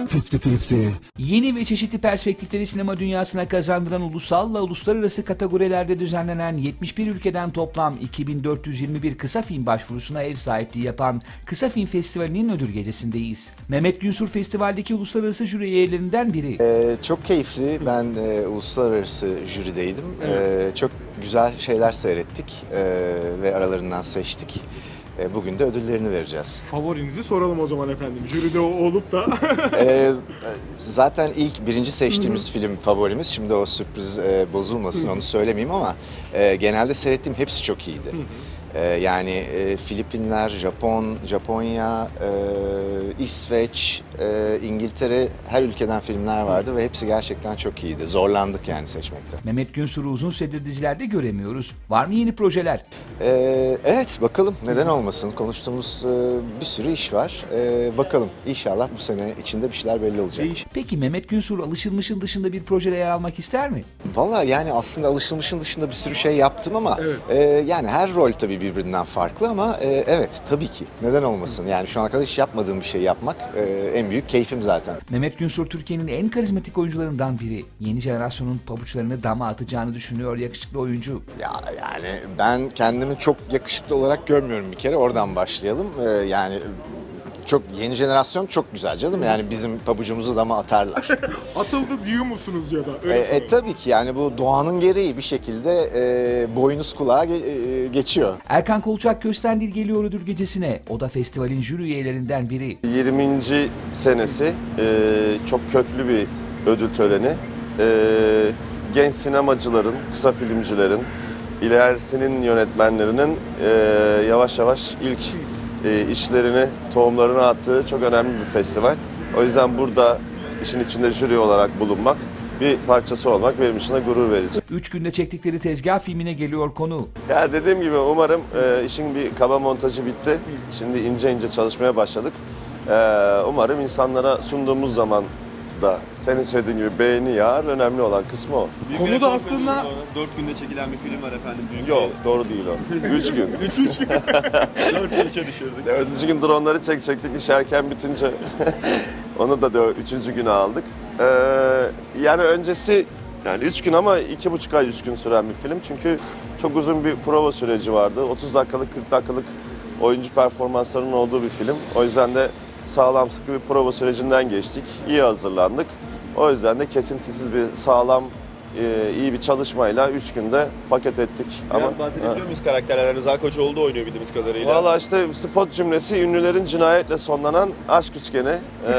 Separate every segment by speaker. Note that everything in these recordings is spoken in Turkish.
Speaker 1: 50-50.
Speaker 2: Yeni ve çeşitli perspektifleri sinema dünyasına kazandıran ulusal ve uluslararası kategorilerde düzenlenen 71 ülkeden toplam 2421 kısa film başvurusuna ev sahipliği yapan Kısa Film Festivali'nin ödül gecesindeyiz. Mehmet Günsur festivaldeki uluslararası jüri üyelerinden biri.
Speaker 3: Çok keyifli. Ben uluslararası jürideydim. Çok güzel şeyler seyrettik ve aralarından seçtik. Bugün de ödüllerini vereceğiz.
Speaker 4: Favorinizi soralım o zaman efendim. Jüride olup da.
Speaker 3: Zaten ilk birinci seçtiğimiz film favorimiz. Şimdi o sürpriz bozulmasın, onu söylemeyeyim ama genelde seyrettiğim hepsi çok iyiydi. Yani Filipinler, Japonya, İsveç, İngiltere, her ülkeden filmler vardı ve hepsi gerçekten çok iyiydi. Zorlandık yani seçmekte.
Speaker 2: Mehmet Günsur'u uzun süredir dizilerde göremiyoruz. Var mı yeni projeler?
Speaker 3: Evet, bakalım, neden olmasın. Konuştuğumuz bir sürü iş var. Bakalım, inşallah bu sene içinde bir şeyler belli olacak.
Speaker 2: Peki Mehmet Günsur alışılmışın dışında bir projede yer almak ister mi?
Speaker 3: Vallahi yani aslında alışılmışın dışında bir sürü şey yaptım ama yani her rol tabii birbirinden farklı ama evet, tabii ki. Neden olmasın? Yani şu ana kadar hiç yapmadığım bir şey yapmak en büyük keyfim zaten.
Speaker 2: Mehmet Günsur Türkiye'nin en karizmatik oyuncularından biri. Yeni jenerasyonun pabuçlarını dama atacağını düşünüyor yakışıklı oyuncu.
Speaker 3: Ya yani ben kendimi çok yakışıklı olarak görmüyorum bir kere. Oradan başlayalım. Yani çok yeni jenerasyon çok güzel canım. Yani bizim pabucumuzu dama atarlar.
Speaker 4: Atıldı diyor musunuz ya da? Öyle soralım.
Speaker 3: Tabii ki yani bu doğanın gereği bir şekilde boynuz kulağa geçiyor.
Speaker 2: Erkan Kolçak Köstendil geliyor ödül gecesine. O da festivalin jüri üyelerinden biri.
Speaker 5: 20. senesi çok köklü bir ödül töreni. Genç sinemacıların, kısa filmcilerin, ilerisinin yönetmenlerinin yavaş yavaş ilk işlerini, tohumlarını attığı çok önemli bir festival. O yüzden burada işin içinde jüri olarak bulunmak, bir parçası olmak benim için de gurur verici.
Speaker 2: 3 günde çektikleri tezgah filmine geliyor konu.
Speaker 5: Ya dediğim gibi umarım işin bir kaba montajı bitti. Şimdi ince ince çalışmaya başladık. Umarım insanlara sunduğumuz zaman da senin söylediğin gibi beğeni yağar. Önemli olan kısmı o.
Speaker 4: Konu da aslında
Speaker 6: 4 günde çekilen bir film var efendim. Büyük
Speaker 5: Yok, doğru değil o. 3 gün.
Speaker 6: 4 gün içe düşürdük.
Speaker 5: 4. gün dronları çekecektik, iş erken bitince onu da 3. güne aldık. Yani öncesi yani 3 gün ama 2,5 ay 3 gün süren bir film. Çünkü çok uzun bir prova süreci vardı. 30 dakikalık, 40 dakikalık oyuncu performanslarının olduğu bir film. O yüzden de sağlam sıkı bir prova sürecinden geçtik. İyi hazırlandık. O yüzden de kesintisiz bir sağlam, iyi bir çalışmayla 3 günde paket ettik.
Speaker 6: Biraz bahsedebiliyor muyuz karakterler? Rıza Koçoğlu oynuyor bildiğimiz kadarıyla.
Speaker 5: Valla işte spot cümlesi ünlülerin cinayetle sonlanan aşk üçgeni.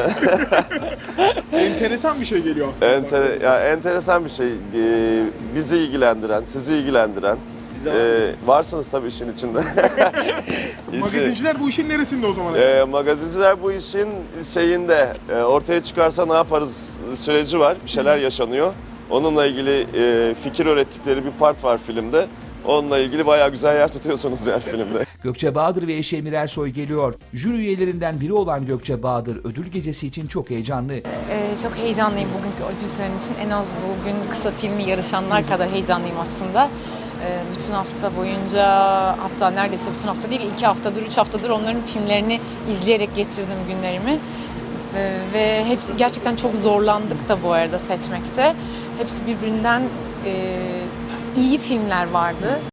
Speaker 4: enteresan bir şey geliyor aslında.
Speaker 5: Enteresan bir şey. Bizi ilgilendiren, sizi ilgilendiren. Varsınız tabii işin içinde.
Speaker 4: Magazinciler bu işin neresinde o zaman?
Speaker 5: Magazinciler bu işin şeyinde ortaya çıkarsa ne yaparız süreci var. Bir şeyler yaşanıyor. Onunla ilgili fikir öğrettikleri bir part var filmde. Onunla ilgili bayağı güzel yer tutuyorsunuz yani filmde.
Speaker 2: Gökçe Bahadır ve eşi Emir Ersoy geliyor. Jüri üyelerinden biri olan Gökçe Bahadır ödül gecesi için çok heyecanlı.
Speaker 7: Çok heyecanlıyım bugünkü ödül töreni için. En az bugün kısa filmi yarışanlar kadar heyecanlıyım aslında. Bütün hafta boyunca, hatta neredeyse bütün hafta değil, 2 haftadır, 3 haftadır onların filmlerini izleyerek geçirdim günlerimi. Ve hepsi gerçekten çok zorlandık da bu arada seçmekte. Hepsi birbirinden iyi filmler vardı.